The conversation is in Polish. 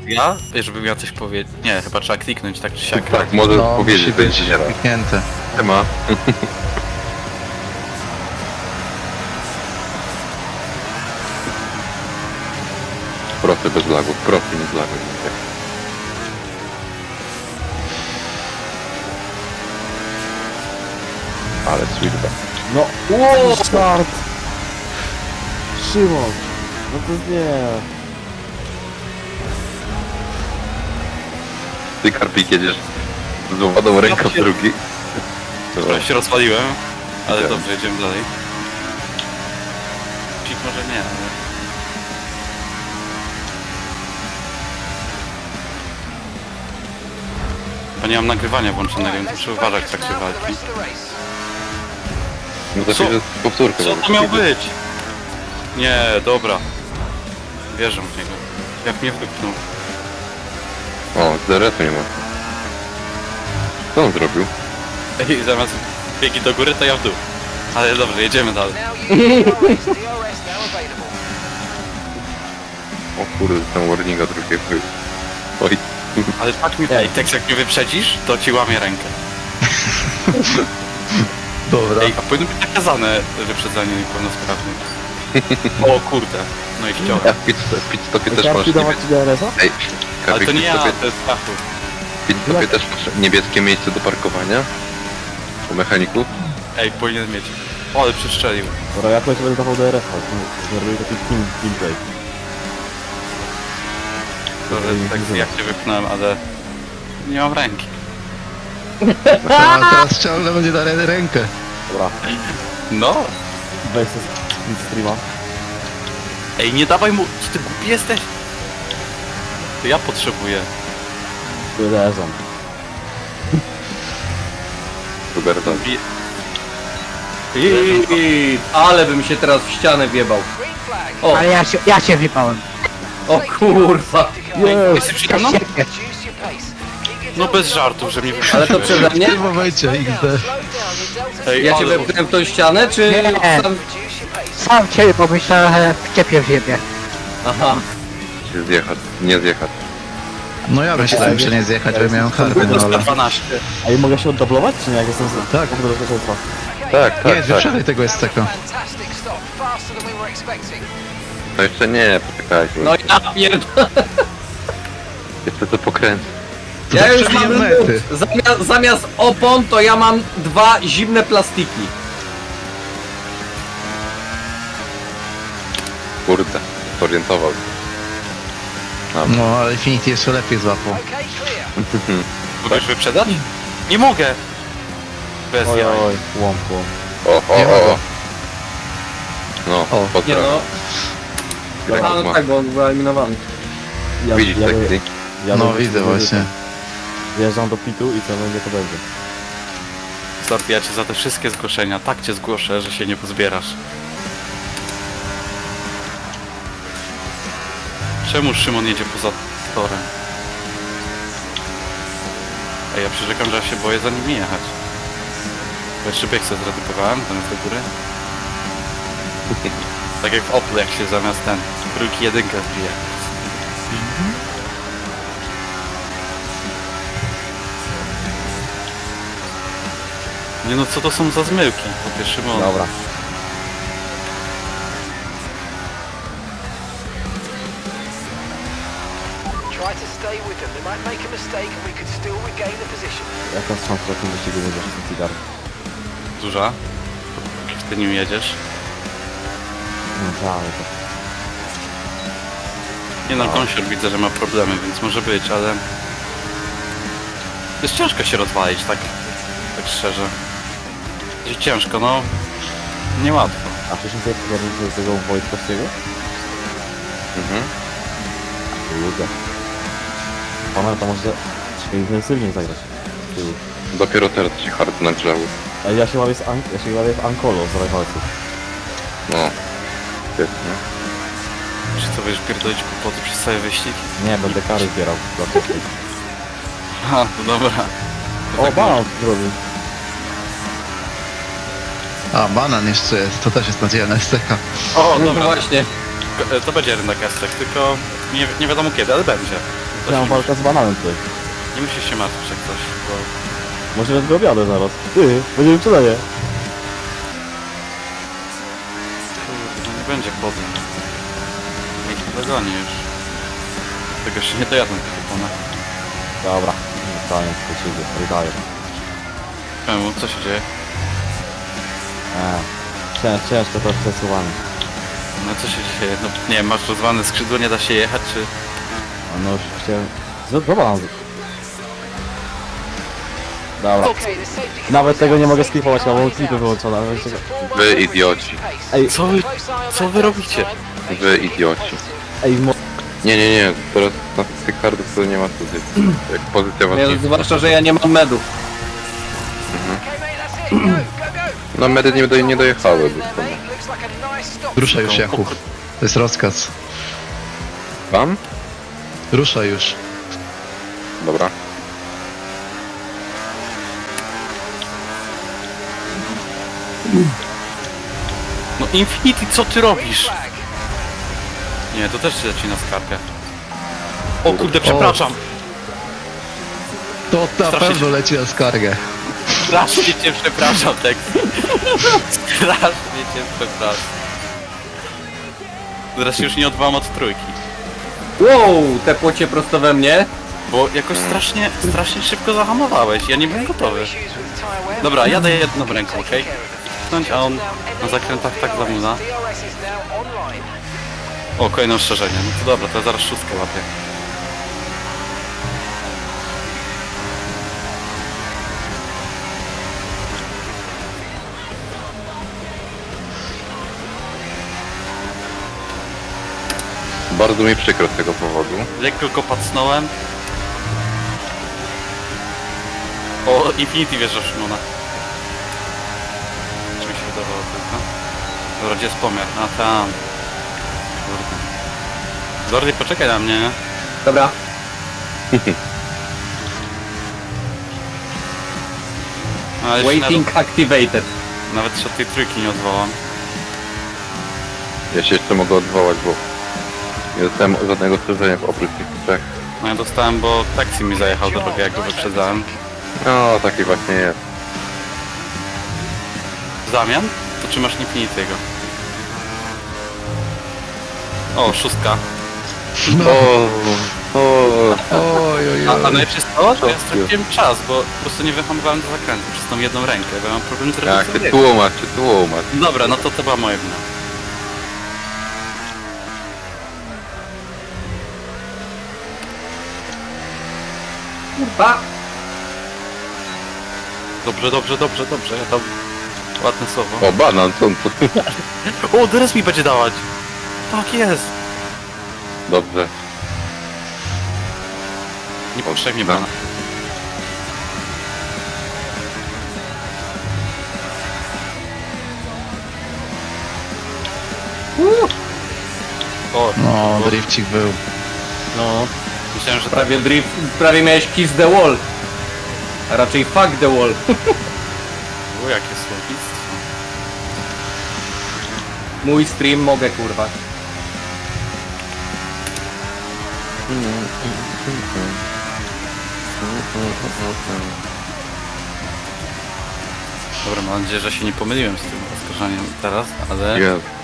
Ja? Żebym miał coś powiedzieć. Nie, chyba trzeba kliknąć tak czy siak. Tak, możesz No, powiedzieć, musi być będzie działa. kliknięte. Tema. Profy bez lagów, profy nie z lagów. Ale sweetback. No, wow, start! Szymon! No to nie. Ty, Karpik, jedziesz z złomaną ręką w drugi. Trochę się rozwaliłem, ale Tak. dobrze, jedziemy dalej. Pik może nie, ale... Bo nie mam nagrywania włączonego, więc muszę uważać w trakcie walki. No to Co? jest powtórka. Co to miał być? Nie, dobra. Wierzę w niego. Jak mnie wypchnął. O, DRS-u nie ma. Co on zrobił? Ej, zamiast biegi do góry, to ja w dół. Ale dobrze, jedziemy dalej. O kurde, ten warninga drugiego. Oj. Ale tak mi... Ej, tak jak mnie wyprzedzisz, to ci łamię rękę. Dobra. Ej, a powinno być nakazane wyprzedzanie niepełnosprawnych. O kurde. No i chciałem. Ja w pit-stopie też masz Karpi dawać ci DRS-a? Ej, Ale Karpik, to nie w ja, pit-stopie to jest Stachu. pit-stopie też masz niebieskie miejsce do parkowania? U mechaników? Ej, powinien mieć. O, ale przestrzelił. Dobra, ja kogoś będę dawał DRS-a. Zrobię taki teamplay. Dobrze, tak jak cię wypchnąłem, ale... Nie mam ręki. A teraz ciągle będzie dalej rękę. Dobra, No. weź sobie streama. Ej, nie dawaj mu... Czy ty głupi jesteś? To ja potrzebuję. DRS-a. Roberta. Bi- Ale bym się teraz w ścianę wjebał. O, Ale ja się wypałem. o kurwa. Jesteś przede mną? No bez żartów, że mnie Ale to wyprzedziłeś. przeze mnie? W tym momencie XD. Ej, Ja cię ale- wepchnąłem w tą ścianę, czy Nie. sam... Sam ciebie pomyślałem, że wczepię w siebie. Aha. Się zjechać, nie zjechać. No ja myślałem, że nie zjechać, że miałem karty, no ale... 12. A i mogę się oddublować, czy nie? Jak jestem z... Tak. Do bezpieczeństwa. Tak, Nie, tak, tak. wyprzedaj tego SCK. To jeszcze nie, poczekajcie. No ja pierdolę. Jeszcze to pokręcę. Ja już przebiję mam mety. zamiast opon, to ja mam 2 zimne plastiki. Kurde, zorientował. No ale Infinity jeszcze lepiej złapał. Mogę wyprzedać? Nie mogę! Bez Oj, jaj. oj, łom. O, Nie o, mogę. o. No, O, Nie pozdrawiam. no. Jak A, no ma. tak, bo on był eliminowany. Widzisz taki? No widzę właśnie. Wjeżdżam do pitu i co będzie, to będzie. Start, ja cię za te wszystkie zgłoszenia tak cię zgłoszę, że się nie pozbierasz. Czemu Szymon jedzie poza torem? Ej, ja przyrzekam, że ja się boję za nimi jechać. Bo jeszcze bieg sobie zredukowałem, tam jest do góry. Tak jak w Oplu, jak się zamiast ten trójki jedynkę wbije. Nie no, co to są za zmyłki? Po pierwsze, Szymon. Dobra. Try to stay with them. They might make a mistake and we could still regain the position. Jaka jest szansa, że w tym wyścigu będziesz ten cigar? Duża. Jak ty nim jedziesz. No żałuję to. Nie no, Gąsior widzę, że ma problemy, więc może być, ale... Jest ciężko się rozwalić, tak szczerze. Jest ciężko, no... Niełatwo. A wcześniej sobie pogarnąć do tego Wojtkowskiego? Mhm. Ludzie. Pana to może intensywniej zagrać. z tyłu. Dopiero teraz się hard nagrzały. Ej, ja się łapię w Ankolo z rajwalców. No. Świetnie. Czy co, będziesz pierdolić kłopoty przez cały wyścig? Nie, będę kary zbierał. dla wszystkich. Ha, to dobra. To O, tak banan zrobił. A, banan jeszcze jest, to też jest nadzieja na SCK. O, No dobra, właśnie. to będzie rynek Estek, tylko nie wiadomo kiedy, ale będzie. Ja mam walkę z bananem tutaj. Nie musisz się martwić jak coś, bo... Może go objadę zaraz. Ty, będzie wyprzedzenie. Kurde, nie będzie kłody. Nikt nie dogoni już. Tego się nie dojadą te kupony. Dobra, koniec, przeciwnie, wydaje. Czemu? Co się dzieje? Ciężko to przesuwanie. No co się dzieje? No nie wiem, masz rozwane skrzydło, nie da się jechać, czy... No już chciałem... Dobra. Dobra. Okay, the safety car Nawet is tego nie mogę out. skipować, Safety mam car klipy is wyłączone. out. ale It's a czekaj. four-man Wy race idioci. pace. Ej, Co wy, co wy robicie? Wy idioci. Nie, teraz na tych kardów to nie ma pozycji. Jak pozycja was nie... Zwłaszcza, że ja nie mam medów. Okay, mate, that's it. Go, go, go. No medy nie dojechały do There, stąd. mate. Looks like a nice stop. Ruszaj już, Jakub. To jest rozkaz. Wam? Ruszaj już. Dobra. No Infinity, co ty robisz? Flag. Nie, to też się leci na skarpę. O kurde, przepraszam. To na Strasznie pewno się- leci na skargę. Strasznie cię przepraszam, Tex. Strasznie cię przepraszam. Teraz się już nie odwołam od trójki. Wow, tepło cię prosto we mnie. Bo jakoś strasznie szybko zahamowałeś, ja nie byłem gotowy. Issues with tyre wear. Dobra, jadę jedną ręką, okej? Tknąć, a on na zakrętach tak zamula. DRS is now online. O, kolejne ostrzeżenie. No to dobra, to ja zaraz szóstkę łapię. Bardzo mi przykro z tego powodu. Lekko go pacnąłem. O, Infinity wjeżdża w Szymona. Czy mi się wydawało tylko? Dobra, gdzie jest pomiar? A tam. Kurde. Zordy, poczekaj na mnie. Dobra. A, jeszcze Waiting activated. nawet się od tej trójki nie odwołam. Ja się jeszcze mogę odwołać, bo nie dostałem żadnego ostrzeżenia oprócz tych trzech. No ja dostałem, bo taksi mi zajechał do drogę, jak go wyprzedzałem. No, taki właśnie jest. W zamian? To czy masz Infinity'ego? O, szóstka. No. Oj, oj, A oj. najlepsze jest to, że ja straciłem czas, bo po prostu nie wyhamowałem do zakrętu przez tą jedną rękę, bo ja mam problem z Jak redukcją ty biegu. tłumacz. Dobra, no to była moja wina. Kurwa. Dobrze, ja tam... Ładne słowo. O, banan, co? O, teraz mi będzie dawać! Tak jest! Dobrze. Niepotrzebnie tak. pana. O, No, drifcik był. no. Myślałem, że tak. Prawie miałeś kiss the wall. A raczej fuck the wall. O, jakie słownictwo. Mój stream mogę, kurwa. Dobra, mam nadzieję, że się nie pomyliłem z tym oskarżaniem teraz, ale... Jest.